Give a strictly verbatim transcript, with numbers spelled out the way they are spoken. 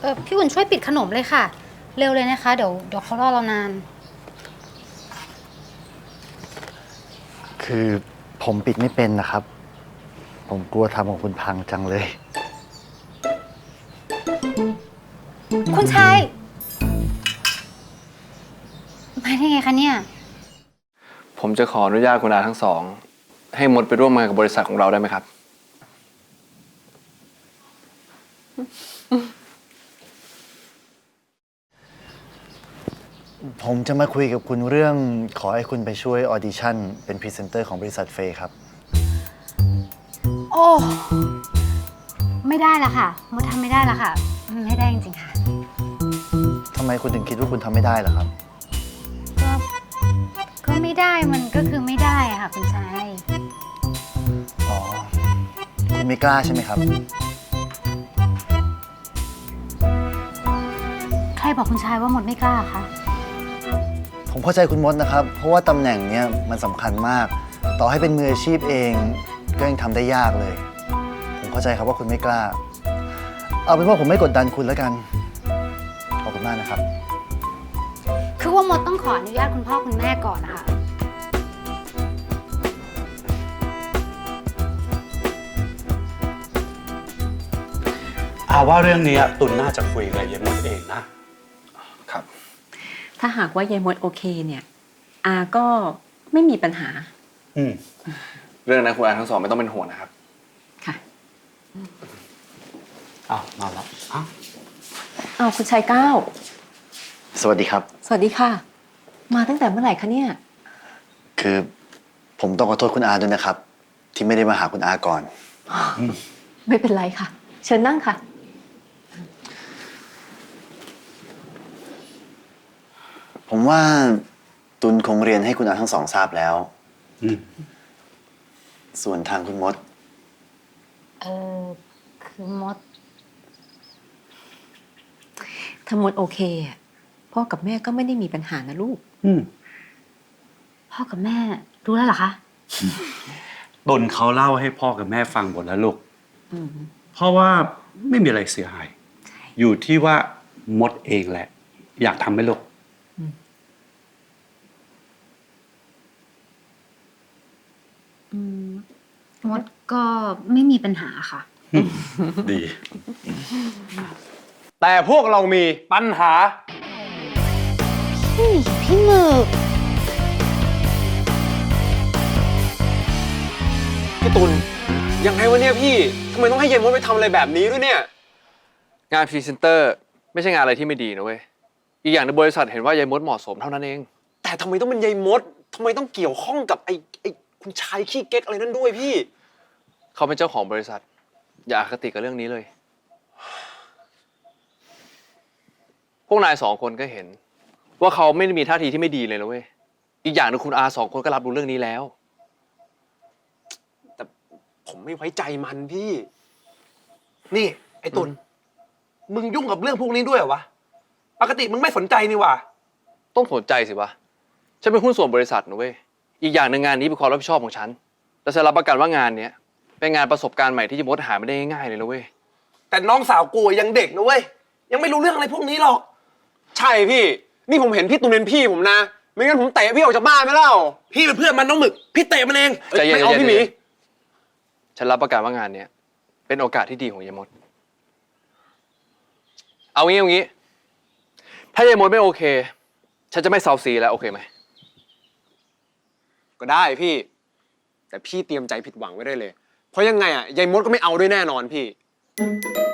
ออพี่อุ่นช่วยปิดขนมเลยค่ะเร็วเลยนะคะเดี๋ยวเดี๋ยวเขารอเรานานคือผมปิดไม่เป็นนะครับผมกลัวทำของคุณพังจังเลยคุณชายมาได้ไงคะเนี่ยผมจะขออนุญาตคุณอาทั้งสองให้มดไปร่วมงานกับบริษัทของเราได้ไหมครับผมจะมาคุยกับคุณเรื่องขอให้คุณไปช่วยออดิชั่นเป็นพรีเซนเตอร์ของบริษัทเฟย์ครับโอ้ไม่ได้ละค่ะมดทำไม่ได้ละค่ะไม่ได้จริงๆค่ะทำไมคุณถึงคิดว่าคุณทำไม่ได้ล่ะครับก็ก็ไม่ได้มันก็คือไม่ได้อะค่ะคุณชายอ๋อคุณไม่กล้าใช่ไหมครับใครบอกคุณชายว่ามดไม่กล้าคะผมเข้าใจคุณมดนะครับเพราะว่าตำแหน่งเนี้ยมันสำคัญมากต่อให้เป็นมืออาชีพเองก็ยังทำได้ยากเลยผมเข้าใจครับว่าคุณไม่กล้าเอาเป็นว่าผมไม่กดดันคุณแล้วกันขอบคุณมากนะครับคือว่ามดต้องขออนุญาตคุณพ่อคุณแม่ก่อนนะคะอาว่าเรื่องนี้ตุลน่าจะคุยกับยายมดเองนะครับถ้าหากว่ายายมดโอเคเนี่ยอาก็ไม่มีปัญหาอืมเรื่องนั้นคุณอาทั้งสองไม่ต้องเป็นห่วงนะครับค่ะอ้าวมาแล้วอ้าวอ้าวคุณชายเก้าสวัสดีครับสวัสดีค่ะมาตั้งแต่เมื่อไหร่คะเนี่ยคือผมต้องขอโทษคุณอาด้วยนะครับที่ไม่ได้มาหาคุณอาก่อนไม่เป็นไรค่ะเชิญนั่งค่ะผมว่าตุลคงเรียนให้คุณอาทั้งสองทราบแล้วส่วนทางคุณมดเออคือมดถ้ามดโอเคอ่ะพ่อกับแม่ก็ไม่ได้มีปัญหานะลูกพ่อกับแม่รู้แล้วเหรอคะตุลเขาเล่าให้พ่อกับแม่ฟังหมดแล้วลูกเพราะว่าไม่มีอะไรเสียหายอยู่ที่ว่ามดเองแหละอยากทำไหมลูกมดก็ไม่มีปัญหาค่ะดีแต่พวกเรามีปัญหาพี่พี่หมึกพี่ตุลยังไงวะเนี่ยพี่ทำไมต้องให้ยายมดไปทำอะไรแบบนี้ด้วยเนี่ยงานพรีเซนเตอร์ไม่ใช่งานอะไรที่ไม่ดีนะเว้ยอีกอย่างในบริษัทเห็นว่ายายมดเหมาะสมเท่านั้นเองแต่ทำไมต้องเป็นยายมดทำไมต้องเกี่ยวข้องกับไอ้ไอ้คุณชายขี้เก๊กอะไรนั่นด้วยพี่เขาเป็นเจ้าของบริษัทอย่าอคติกับเรื่องนี้เลยพวกนายสองคนก็เห็นว่าเขาไม่ได้มีท่าทีที่ไม่ดีเลยนะเว้ยอีกอย่างนึงคุณอาสองคนก็รับรู้เรื่องนี้แล้วแต่ผมไม่ไว้ใจมันพี่นี่ไอ้ตุลมึงยุ่งกับเรื่องพวกนี้ด้วยเหรอวะปกติมึงไม่สนใจนี่หว่าต้องสนใจสิวะฉันเป็นหุ้นส่วนบริษัทนะเว้ยอีกอย่างหนึ่งงานนี้เป็นความรับผิดชอบของฉันและฉันรับประกันว่างานเนี้ยเป็นงานประสบการณ์ใหม่ที่จะมดหาไม่ได้ง่ายๆเลยนะเว้ยแต่น้องสาวกูยังเด็กนะเว้ยยังไม่รู้เรื่องอะไรพวกนี้หรอกใช่พี่นี่ผมเห็นพี่ตุลเป็นพี่ผมนะไม่งั้นผมเตะพี่ออกจากบ้านไม่เล่าพี่เป็นเพื่อนมันน้องหมึกพี่เตะมันเองไม่เอาพี่หมีฉันรับประกันว่างานเนี้ยเป็นโอกาสที่ดีของยายมดเอางี้เอางี้ถ้ายายมดไม่โอเคฉันจะไม่เซาซีแล้วโอเคไหมก็ได้พี่แต่พี่เตรียมใจผิดหวังไว้ได้เลยเพราะยังไงอ่ะยายมดก็ไม่เอาด้วยแน่นอนพี่